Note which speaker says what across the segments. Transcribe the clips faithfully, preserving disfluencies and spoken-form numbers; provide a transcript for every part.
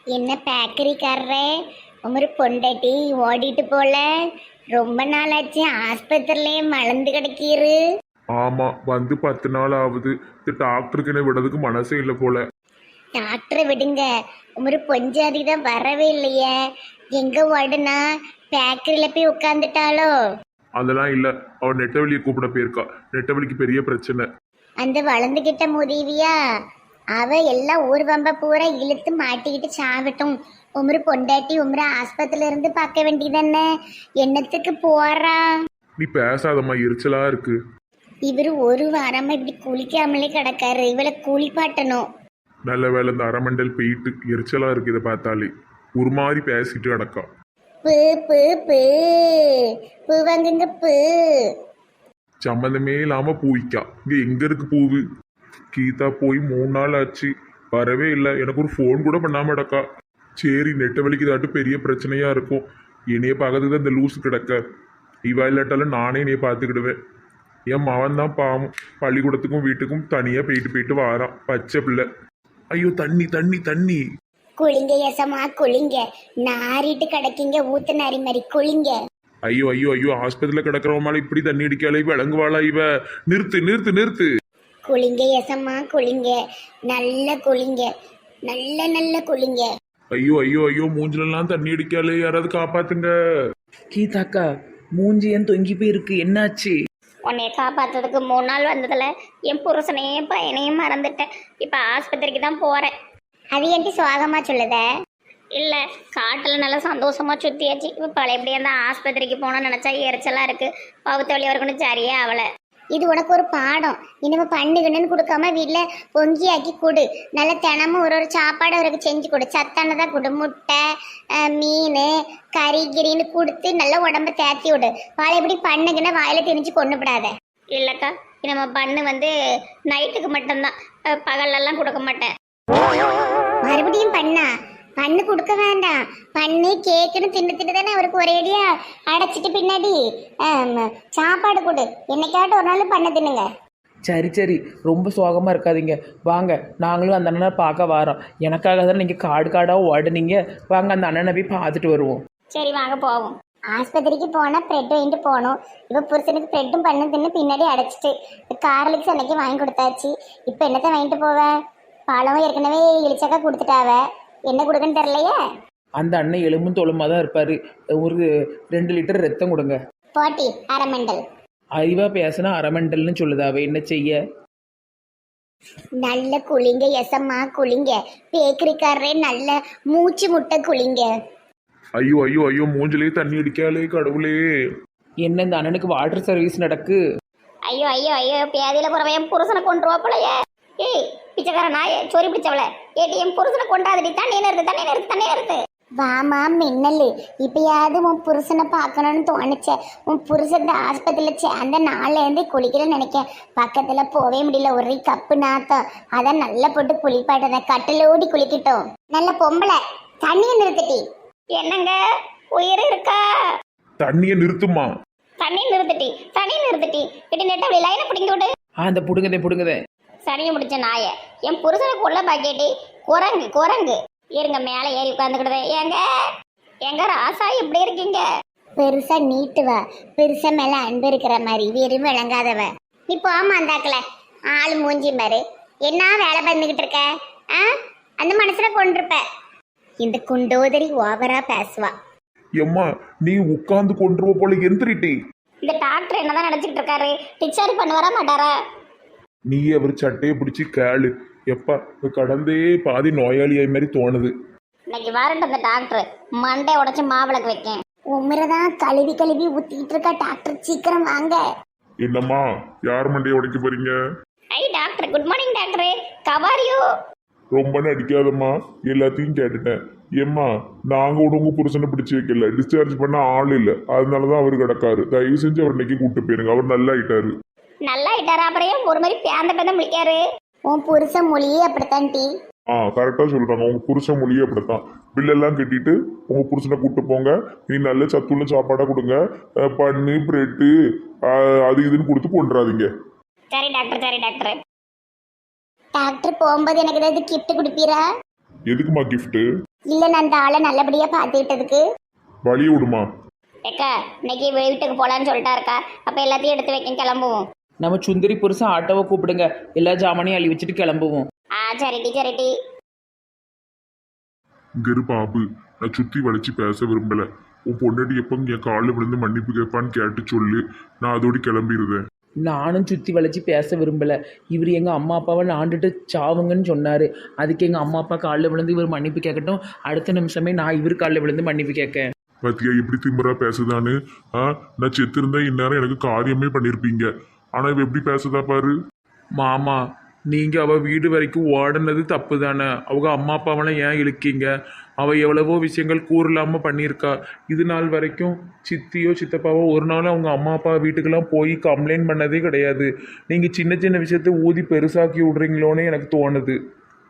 Speaker 1: என்ன பேக்கரிக்காரரே, உமரு பொண்டாட்டி ஓடிட்டு போல. ரொம்ப நாளாச்சு, ஆஸ்பத்திரிலேயே மலர்ந்து கிடக்கீரு.
Speaker 2: ஆமா, வந்து பத்து நாள் ஆகுது. இந்த டாக்டருக்கு என்ன விடுறதுக்கு மனசே இல்லை போல.
Speaker 1: டாக்டரை விடுங்க, உமரு பொஞ்சாதி தான் வரவே இல்லையே. எங்க ஓடுனா பேக்கரியில போய் உட்காந்துட்டாலோ?
Speaker 2: அதெல்லாம் இல்லை, அவன் நெட்டவெளியை கூப்பிட போயிருக்கா. நெட்டவெளிக்கு பெரிய பிரச்சனை.
Speaker 1: அந்த வளர்ந்துகிட்ட முதிவியா அவ எல்லாம் ஊர்வம்ப பூரா இழுத்து மாட்டிக்கிட்டு சாவிட்டும். உமரு பொண்டாட்டி உமரு ஆஸ்பத்திரியில இருந்து பார்க்க வேண்டியதானே, என்னத்துக்கு போறா?
Speaker 2: நீ பேசாதம்மா, எரிச்சலா இருக்கு.
Speaker 1: இவரு ஒரு வாரமா இப்படி குளிக்காமலே கிடக்காரு, இவளை குளிப்பாட்டணும்.
Speaker 2: நல்ல வேலை இந்த அரமண்டல் போயிட்டு எரிச்சலா இருக்கு. இதை பார்த்தாலே ஒரு மாதிரி பேசிட்டு கிடக்கா.
Speaker 1: பூ பூ பூ பூ வாங்குங்க பூ.
Speaker 2: சம்மந்தமே இல்லாம பூவிக்கா. இங்க எங்க இருக்கு பூவு? கீதா போய் மூணு நாள் ஆச்சு, வரவே இல்லை. எனக்கு ஒரு ஃபோன் கூட பண்ணாம கிடக்கா. சரி, நெட்டவெளிக்கு தாட்டு பெரிய பிரச்சனையா இருக்கும். என்னைய பார்க்கறதுக்கு தான் இந்த லூஸ் கிடக்க. இவா இல்லாட்டாலும் நானே என்னைய பார்த்துக்கிடுவேன். என் மகன் தான் பாவம், பள்ளிக்கூடத்துக்கும் வீட்டுக்கும் தனியா போயிட்டு போயிட்டு வாரான், பச்சை பிள்ளை. ஐயோ, தண்ணி தண்ணி தண்ணி.
Speaker 1: குளிங்க எசமா குளிங்க, நாரிட்டு கிடக்கீங்க ஊத்து நாரி மாதிரி குளிங்க.
Speaker 2: ஐயோ ஐயோ ஐயோ, ஆஸ்பத்திரியில கிடக்கிறவமால இப்படி தண்ணி அடிக்காளே, விளங்குவாளா இவ? நிறுத்து நிறுத்து நிறுத்து.
Speaker 1: குளிங்க எசமா குளிங்க, நல்ல குளிங்க, நல்ல நல்ல குளிங்க.
Speaker 2: ஐயோ ஐயோ ஐயோ, மூஞ்சிலெல்லாம் தண்ணி அடிக்காளே, யாராவது காப்பாத்துங்க.
Speaker 3: கீதாக்கா, மூஞ்சி ஏன் தொங்கி போயிருக்கு, என்னாச்சு?
Speaker 1: உன்னைய காப்பாத்துறதுக்கு மூணு நாள் வந்ததுல என் புருஷனையும் பையனையும் மறந்துட்டேன். இப்ப ஆஸ்பத்திரிக்கு தான் போறேன். அது ஏன்டி சுவாகமா சொல்லுத? இல்ல, காட்டுல நல்லா சந்தோஷமா சுத்தியாச்சு. இப்ப பழையபடியா தான் ஆஸ்பத்திரிக்கு போனோம்னு நினைச்சா எரிச்சலா இருக்கு. பகுத்த வழி வரைக்கும் சரியே அவளை. இது உனக்கு ஒரு பாடம். இனிமே பண்ணுகணுன்னு கொடுக்காம வீட்டில் பொங்கியாக்கி கொடு. நல்ல தினமும் ஒரு ஒரு சாப்பாடு அவருக்கு செஞ்சு கொடு. சத்தானதாக கொடு. முட்டை, மீன், கறி கிரின்னு கொடுத்து நல்லா உடம்ப தேத்தி விடு. வாழை எப்படி பண்ணுக்குன்னா வாயில திணிச்சு கொண்டு விடாத. இல்லைக்கா, நம்ம பண்ணு வந்து நைட்டுக்கு மட்டும்தான், பகல்லெல்லாம் கொடுக்க மாட்டேன். மறுபடியும் பண்ணா பண்ணு கொடுக்க வேண்டாம். பண்ணு கேக்குன்னு தின்னு திட்டு தானே அவருக்கு ஒரேடியா அடைச்சிட்டு பின்னாடி சாப்பாடு கொடு. என்னைக்காட்டும் ஒரு நாள் பண்ண தின்னுங்க.
Speaker 3: சரி சரி, ரொம்ப சோகமாக இருக்காதீங்க. வாங்க, நாங்களும் அந்த அண்ணனை பார்க்க வரோம். எனக்காக தான் நீங்கள் காடு காடாக ஓடுனீங்க. வாங்க, அந்த அண்ணனை போய் பார்த்துட்டு வருவோம்.
Speaker 1: சரி வாங்க போவோம். ஆஸ்பத்திரிக்கு போனால் ப்ரெட் வாங்கிட்டு போகணும். இப்போ புருஷனுக்கு ப்ரெட்டும் பண்ணு தின்னு பின்னாடி அடைச்சிட்டு காரலுக்கு அன்னைக்கு வாங்கி கொடுத்தாச்சு. இப்போ என்னத்தை வாங்கிட்டு போவேன்? பழமும் ஏற்கனவே இழிச்சக்கா கொடுத்துட்டாவ, என்ன கொடுக்குன்னு தெரியலையே.
Speaker 3: அந்த அண்ணன் எலும்பும் தொழுமாக தான் இருப்பார். ஒரு ரெண்டு லிட்டர் ரத்தம் கொடுங்க.
Speaker 1: போட்டி அரமண்டல்.
Speaker 3: அறிவாக பேசினா அரமண்டல்னு சொல்லுதாவே, என்ன செய்ய?
Speaker 1: நல்ல குளிங்க எசம்மா குளிங்க. பேக்கரிக்காரரே நல்ல மூச்சு முட்டை குளிங்க.
Speaker 2: ஐயோ ஐயோ ஐயோ, மூஞ்சிலே தண்ணி அடிக்காளே, கடவுளே.
Speaker 3: என்ன இந்த அண்ணனுக்கு வாட்டர் சர்வீஸ் நடக்கு?
Speaker 1: ஐயோ ஐயோ ஐயோ, பேதியில போறவன் புருஷனை கொண்டு போலையே. ஏய் பிச்சைக்கார நாயே, சொறி பிடிச்சவள, ஏடிஎம் புருஷனை கொண்டாதடி. தண்ணி நிறுத்து தண்ணி நிறுத்து தண்ணி நிறுத்து. வாமா மின்னல், இப்பயாவது உன் புருஷனை பார்க்கணும்னு தோணுச்ச. உன் புருஷன் ஆஸ்பத்திரியில் சேர்ந்த நாள்ல இருந்து குளிக்கிறேன்னு நினைக்க. பக்கத்துல போவே முடியல, ஒரே கப்பு நாத்தம். அதான் நல்லா போட்டு குளிப்பாட்டத, கட்டிலோடி குளிக்கட்டும். நல்ல பொம்பளை, தண்ணியை நிறுத்திட்டி. என்னங்க உயிர் இருக்கா?
Speaker 2: தண்ணியை நிறுத்துமா.
Speaker 1: தண்ணி நிறுத்திட்டி தண்ணி நிறுத்திட்டி. இட்டு நெட்ட அப்படி லைனை பிடிங்க விடு.
Speaker 3: ஆ, அந்த புடுங்கதே புடுங்கதே.
Speaker 1: சரிங்க முடிச்ச நாய, என் புருஷனுக்கு உள்ள பாக்கெட்டி குரங்கு குரங்கு. இருங்க மேலே ஏறி உட்காந்துக்கிடுது. ஏங்க எங்க ராசா எப்படி இருக்கீங்க? பெருசா நீட்டுவ, பெருசா மேல அன்பு இருக்கிற மாதிரி வெறும் விளங்காதவ. நீ போமா அந்தாக்கல, ஆளு மூஞ்சி மாதிரி என்ன வேலை பண்ணிக்கிட்டு இருக்க? ஆ, அந்த மனசுல கொண்டிருப்ப. இந்த குண்டோதரி ஓவரா பேசுவா.
Speaker 2: எம்மா, நீ உட்கார்ந்து கொண்டுருவ போல, எந்திரிட்டி.
Speaker 1: இந்த டாக்டர் என்னதான் நினைச்சிட்டு இருக்காரு? டிச்சார்ஜ் பண்ண வர மாட்டாரா?
Speaker 2: நீ அவர் சட்டையை பிடிச்சி கேளு. எப்பா, கடந்தே பாதி நோயாளியாய் மாதிரி தோணுது.
Speaker 1: இன்னைக்கு வரட்டும் அந்த டாக்டர், மண்டை உடைச்சு மாவிளக்கு வைக்கேன். உமரதான் கழுவி கழுவி ஊத்திட்டு இருக்கா டாக்டர், சீக்கிரம் வாங்க.
Speaker 2: என்னம்மா, யார் மண்டையை உடைக்க போறீங்க?
Speaker 1: ஐ டாக்டர், குட் மார்னிங் டாக்டர், கவாரியோ?
Speaker 2: ரொம்ப நடிக்காதம்மா, எல்லாத்தையும் கேட்டுட்டேன். ஏம்மா, நாங்க கூட உங்க புருஷனை பிடிச்சி வைக்கல, டிஸ்சார்ஜ் பண்ண ஆள் இல்லை, அதனாலதான் அவர் கிடக்காரு. தயவு செஞ்சு அவர் இன்னைக்கு கூப்பிட்டு போயிருங்க, அவர் நல்லா ஆயிட்டாரு.
Speaker 1: நல்லா ஆயிட்டாரா? அப்புறம் ஒரு மாதிரி பேந்த பேந்த முடிக்காரு. உன் புருஷன் மொழியே அப்படித்தான் டி.
Speaker 2: ஆ, கரெக்டா சொல்றாங்க. உங்க புருஷன் மொழியே அப்படித்தான். பில்லெல்லாம் கட்டிட்டு உங்க புருஷனை கூப்பிட்டு போங்க. நீ நல்ல சத்துள்ள சாப்பாடா கொடுங்க. பண்ணு, பிரெட்டு, அது இதுன்னு கொடுத்து கொண்டுறாதீங்க.
Speaker 1: சரி டாக்டர், சரி டாக்டர். டாக்டர் போகும்போது எனக்கு ஏதாவது கிஃப்ட் கொடுப்பீரா?
Speaker 2: எதுக்குமா கிஃப்ட்?
Speaker 1: இல்லை நான் அந்த ஆளை நல்லபடியாக பார்த்துக்கிட்டதுக்கு.
Speaker 2: வழிய விடுமா.
Speaker 1: ஏக்கா இன்னைக்கு வீட்டுக்கு போகலான்னு சொல்லிட்டா இருக்கா. அப்போ எல்லாத்தையும் எடுத்து வைக்க கிளம்புவோம்.
Speaker 3: நம்ம சுந்தரி புருஷன் ஆட்டோவை கூப்பிடுங்க, எல்லா ஜாமானையும் அள்ளி வச்சுட்டு கிளம்புவோம்.
Speaker 1: ஆ சரிட்டி சரிட்டி.
Speaker 2: இங்க இரு பாபு, நான் சுத்தி வளைச்சு பேச விரும்பல. உன் பொண்டாட்டி எப்போ என் காலில் விழுந்து மன்னிப்பு கேட்பான்னு கேட்டு சொல்லு, நான் அதோடு கிளம்பிடுவேன்.
Speaker 3: நானும் சுற்றி வளைச்சி பேச விரும்பலை. இவர் எங்கள் அம்மா அப்பாவை நாண்டுட்டு சாவுங்கன்னு சொன்னார். அதுக்கு எங்கள் அம்மா அப்பா காலில் விழுந்து இவர் மன்னிப்பு கேட்கட்டும், அடுத்த நிமிஷமே நான் இவர் காலில் விழுந்து மன்னிப்பு கேட்க.
Speaker 2: பாத்தியா எப்படி திமிரா பேசுதான்னு. ஆ நான் செத்து இருந்தா இந்நேரம் எனக்கு காரியமே பண்ணியிருப்பீங்க. ஆனா இவ எப்படி பேசுதா பாரு.
Speaker 4: மாமா நீங்கள் அவள் வீடு வரைக்கும் ஓடினது தப்பு தானே. அவங்க அம்மா அப்பாவெல்லாம் ஏன் இழுக்கீங்க? அவள் எவ்வளவோ விஷயங்கள் கூறலாமல் பண்ணியிருக்கா. இது நாள் வரைக்கும் சித்தியோ சித்தப்பாவோ ஒரு நாளும் அவங்க அம்மா அப்பா வீட்டுக்கெல்லாம் போய் கம்ப்ளைண்ட் பண்ணதே கிடையாது. நீங்கள் சின்ன சின்ன விஷயத்த ஊதி பெருசாக்கி விட்றீங்களோன்னு எனக்கு தோணுது.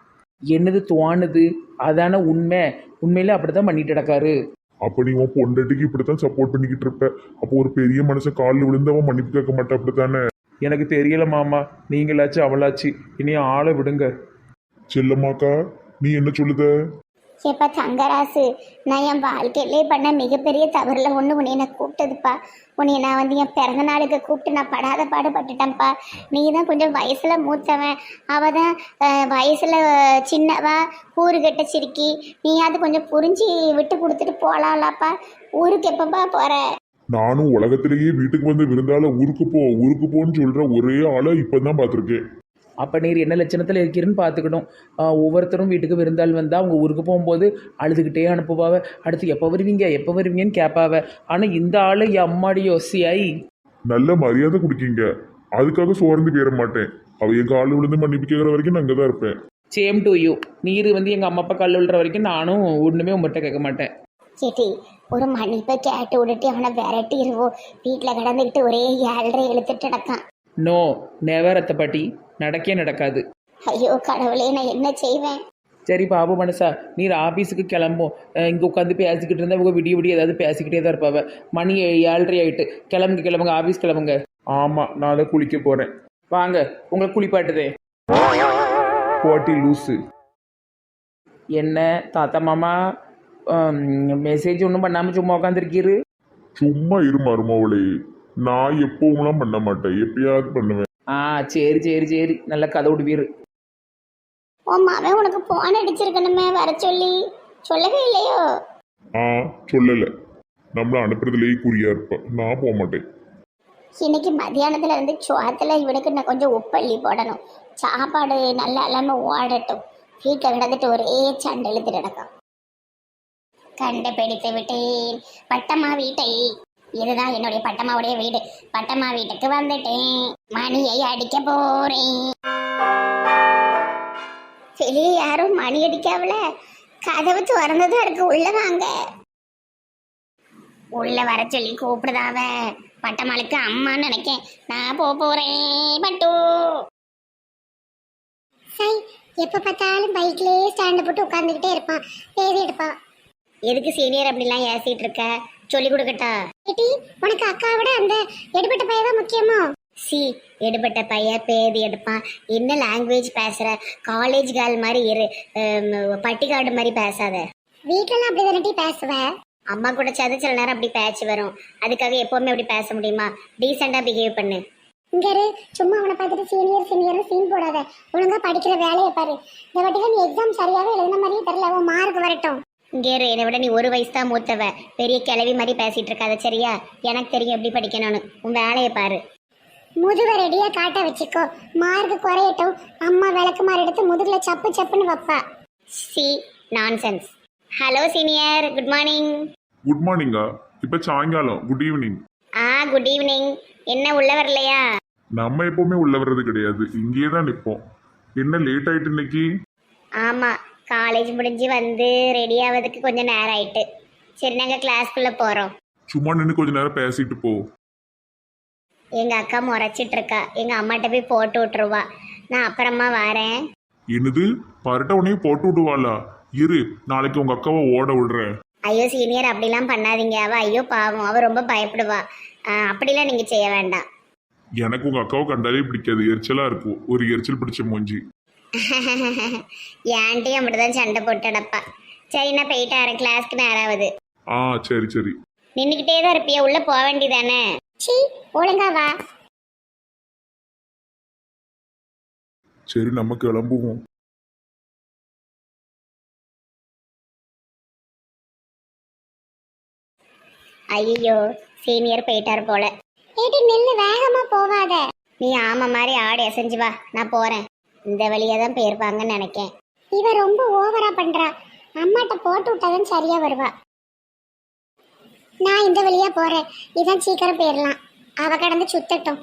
Speaker 3: என்னது தோணுது? அதான உண்மை. உண்மையில அப்படி தான் பண்ணிட்டு கிடக்காரு.
Speaker 2: அப்ப நீ உன் பொண்டாட்டிக்கு இப்படித்தான் சப்போர்ட் பண்ணிக்கிட்டு இருப்ப. அப்போ ஒரு பெரிய மனுஷன் காலில் விழுந்து அவன் மன்னிப்பு கேட்க மாட்டா அப்படித்தானே?
Speaker 4: எனக்கு தெரியல மாமா, நீங்களாச்சு அவளாச்சு, இனி ஆளை விடுங்க.
Speaker 2: செல்லம்மாக்கா நீ என்ன சொல்லுத?
Speaker 1: ஏப்பா தங்கராசு, நான் என் வாழ்க்கையிலே பண்ண மிகப்பெரிய தவறில் ஒன்று உன்னை நான் கூப்பிட்டதுப்பா. உன்னை நான் வந்து என் பிறந்த நாளுக்கு கூப்பிட்டு நான் படாத பாடுபட்டுட்டேன்ப்பா. நீ தான் கொஞ்சம் வயசில் மூத்தவன், அவள் தான் வயசில் சின்னவா, ஊரு கெட்ட சிரிக்கி. நீ அது கொஞ்சம் புரிஞ்சு விட்டு கொடுத்துட்டு போகலாம்லப்பா. ஊருக்கு எப்பப்பா போகிற?
Speaker 2: நானும் உலகத்திலேயே வீட்டுக்கு வந்து விருந்தால ஊருக்கு போ ஊருக்கு போன்னு சொல்ற ஒரே ஆளை இப்பதான் பார்த்துருக்கேன்.
Speaker 3: அப்போ நீர் என்ன லட்சணத்தில் இருக்கிறன்னு பார்த்துக்கணும். ஒவ்வொருத்தரும் வீட்டுக்கு விருந்தாள் வந்தால் அவங்க ஊருக்கு போகும்போது அழுதுகிட்டே அனுப்புவாவ. அடுத்து எப்போ வருவீங்க எப்போ வருவீங்கன்னு கேட்பாவ. ஆனால் இந்த ஆள் அம்மாடி யோசியாய்
Speaker 2: நல்ல மரியாதை கொடுக்கீங்க, அதுக்காக சோர்ந்து போயிட மாட்டேன். அவ என் காலில் விழுந்து மன்னிப்பு கேட்குற வரைக்கும் நான் அங்கே தான் இருப்பேன்.
Speaker 3: Same to you. நீர் வந்து எங்கள் அம்மா அப்பா காலில் விழுற வரைக்கும் நானும் ஒன்றுமே உங்கள்கிட்ட கேட்க மாட்டேன்.
Speaker 1: கேட்டி ஒரு மன்னிப்பை கேட்டு விட்டுட்டு அவனை விரட்டிடுவோம். வீட்டில் கிடந்துக்கிட்டு ஒரே ஏழரை இழுத்துட்டு நடக்கான்.
Speaker 3: நோ நெவர் அத்தை பாட்டி, நடக்கே நடக்காது.
Speaker 1: ஐயோ கடவுளே, நான் என்ன செய்வேன்?
Speaker 3: சரி பாபு மனசா, நீர் ஆஃபீஸுக்கு கிளம்பும். இங்கே உட்காந்து பேசிக்கிட்டு இருந்தால் இவங்க விடிய விடிய ஏதாவது பேசிக்கிட்டே தான் இருப்பாவ. மணி ஏழரை ஆயிட்டு. கிளம்புங்க கிளம்புங்க, ஆஃபீஸ் கிளம்புங்க.
Speaker 4: ஆமாம், நான் அதை குளிக்க போகிறேன்.
Speaker 3: வாங்க உங்களை குளிப்பாட்டுதே.
Speaker 4: போட்டி லூஸு.
Speaker 3: என்ன தாத்தா மாமா மெசேஜ் ஒன்றும் பண்ணாமல் சும்மா உட்காந்துருக்கீரு?
Speaker 2: சும்மா இரு மருமவளே, நான் எப்பவும்லாம் பண்ண மாட்டேன், எப்பயாவது பண்ணுவேன்.
Speaker 3: ஆ சரி சரி சரி, நல்ல கதை விடுவீரு.
Speaker 1: உன் மாவன் உனக்கு போன் அடிச்சிருக்கணுமே வர சொல்லி, சொல்லவே இல்லையோ?
Speaker 2: ஆ சொல்லலை, நம்மள அனுப்புறதுலேயே குறியா இருப்பேன், நான் போக மாட்டேன்.
Speaker 1: இன்னைக்கு மத்தியானத்துல இருந்து சோத்துல இவனுக்கு நான் கொஞ்சம் உப்பள்ளி போடணும். சாப்பாடு நல்லா இல்லாமல் ஓடட்டும். வீட்டில் கிடந்துட்டு ஒரே சண்டை இழுத்துட்டு நடக்கும். கண்டுபிடித்து விட்டேன் பட்டம்மா வீட்டை. இதுதான் என்னுடைய பட்டம்மாவுடைய வீடு. பட்டம்மா வீட்டுக்கு வந்துட்டேன், மணியை அடிக்க போறேன். வெளியே யாரும் மணி அடிக்காவல, கதவு திறந்ததும் இருக்கு. உள்ள வாங்க. உள்ள வர சொல்லி கூப்பிடுதாவ. பட்டம்மாளுக்கு அம்மான்னு நினைக்கேன். நான் போக போறேன் பட்டு. சை, எப்ப பார்த்தாலும் பைக்லயே ஸ்டாண்ட் போட்டு உட்காந்துக்கிட்டே இருப்பான், பேசி எடுப்பான். எதுக்கு சீனியர் அப்படிலாம் ஏசிட்டு இருக்க? சொல்லி கொடுக்கட்டா? உனக்கு அக்கா விட அந்த எடுபட்ட பையன் தான் முக்கியமோ? சி, எடுபட்ட பையன் பேதி எடுப்பான். என்ன லாங்குவேஜ் பேசுற? காலேஜ் கேர்ள் மாதிரி இரு, பட்டிக்காடு மாதிரி பேசாத. வீட்டிலலாம் அப்படி தானே பேசுவ? அம்மா கூட சேர்ந்து சில நேரம் அப்படி பேச்சு வரும். அதுக்காக எப்பவுமே அப்படி பேச முடியுமா? டீசெண்டா பிஹேவ் பண்ணு. இங்க சும்மா அவனை பார்த்துட்டு சீனியர் சீனியர் சீன் போடாத. ஒழுங்கா படிக்கிற வேலையை பாரு. இந்த வாட்டில நீ எக்ஸாம் சரியாவே எழுதின மாதிரியே தெரியல. உன் மார்க் வரட்டும். இங்கே என்னை விட நீ ஒரு வயசு தான் மூத்தவ. பெரிய கிளவி மாதிரி பேசிட்டு இருக்காத சரியா? எனக்கு தெரியும் எப்படி படிக்கணும்னு. உன் வேலையை பாரு. முதுக ரெடியா காட்ட வச்சுக்கோ. மார்க் குறையட்டும், அம்மா விளக்கு மாறு எடுத்து முதுகுல சப்பு சப்புன்னு வைப்பா. சி nonsense. Hello senior, good morning.
Speaker 2: Good மார்னிங்கா? இப்போ சாயங்காலம் குட் ஈவினிங்.
Speaker 1: ஆ குட் ஈவினிங். என்ன உள்ள வரலையா?
Speaker 2: நம்ம எப்பவுமே உள்ள வர்றது கிடையாது, இங்கேயே தான் நிற்போம். என்ன லேட் ஆயிட்டு இன்னைக்கு?
Speaker 1: ஆமாம், காலேஜ் முடிஞ்சு வந்து ரெடி ஆகிறதுக்கு கொஞ்சம் நேரம் ஆயிட்டு. சரி, நாங்கள் கிளாஸ்க்குள்ளே போகிறோம்.
Speaker 2: சும்மா நின்று கொஞ்ச நேரம் பேசிட்டு போ.
Speaker 1: எங்கள் அக்கா முறைச்சிட்டு இருக்கா. எங்கள் அம்மாட்ட போய் போட்டு விட்டுருவா. நான் அப்புறமா வரேன்.
Speaker 2: என்னது பரட்ட உடனே போட்டு விடுவாளா? இரு, நாளைக்கு உங்க அக்காவை ஓட விடுறேன்.
Speaker 1: ஐயோ சீனியர், அப்படிலாம் பண்ணாதீங்க. அவள் ஐயோ பாவம், அவள் ரொம்ப பயப்படுவா. அப்படிலாம் நீங்கள் செய்ய வேண்டாம்.
Speaker 2: எனக்கு உங்க அக்காவை கண்டாலே பிடிக்காது, எரிச்சலா இருக்கும். ஒரு எரிச்சல் பிடிச்ச மூஞ்சி.
Speaker 1: ஏன்ட்டையும் அப்படிதான் சண்டை போட்டு அடப்பா. சரி நான் போயிட்டாரு, கிளாஸ்க்கு நேராவது.
Speaker 2: ஆ சரி சரி.
Speaker 1: நின்றுக்கிட்டே தான் இருப்பியா, உள்ள போக வேண்டியதானே? சி ஒழுங்கா வா.
Speaker 2: சரி நம்ம கிளம்புவோம்.
Speaker 1: ஐயோ சீனியர் போயிட்டாரு போல. ஏடி நில்லு, வேகமா போவாத. நீ ஆமா மாதிரி ஆடி அசைஞ்சு வா, நான் போறேன். இந்த வழியா தான் போயிருப்பாங்கன்னு நினைக்கேன். இவ ரொம்ப ஓவரா பண்றா. அம்மாட்ட போட்டு விட்டாதான் சரியா வருவா. நான் இந்த வழியா போறேன், இதான் சீக்கிரம் போயிடலாம். அவ கடந்து சுத்தட்டும்.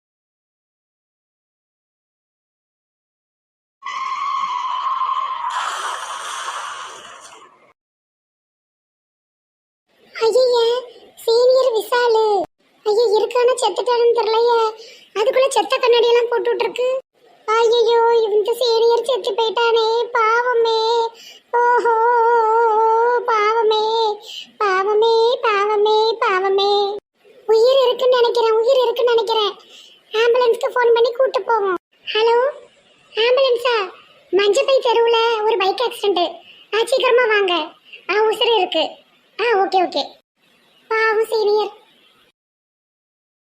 Speaker 1: ஐயே சீனியர் விசாலு. ஐயோ இருக்கான செத்துட்டான்னு தெரியலையே, அதுக்குள்ள செத்த கண்ணாடி எல்லாம் போட்டு விட்டுருக்கு. ஐயோ இந்த சீனியர் செத்து போயிட்டானே, பாவமே. ஓஹோ பாவமே பாவமே பாவமே பாவமே. உயிர் இருக்குன்னு நினைக்கிறேன், உயிர் இருக்குன்னு நினைக்கிறேன். ஆம்புலன்ஸ்க்கு ஃபோன் பண்ணி கூட்டு போவோம். ஹலோ ஆம்புலன்ஸா? மஞ்சப்பை தெருவுல ஒரு பைக் ஆக்சிடென்ட். ஆ சீக்கிரமா வாங்க. ஆ உசுறு இருக்கு. ஆ ஓகே ஓகே. பாவம் சீனியர்.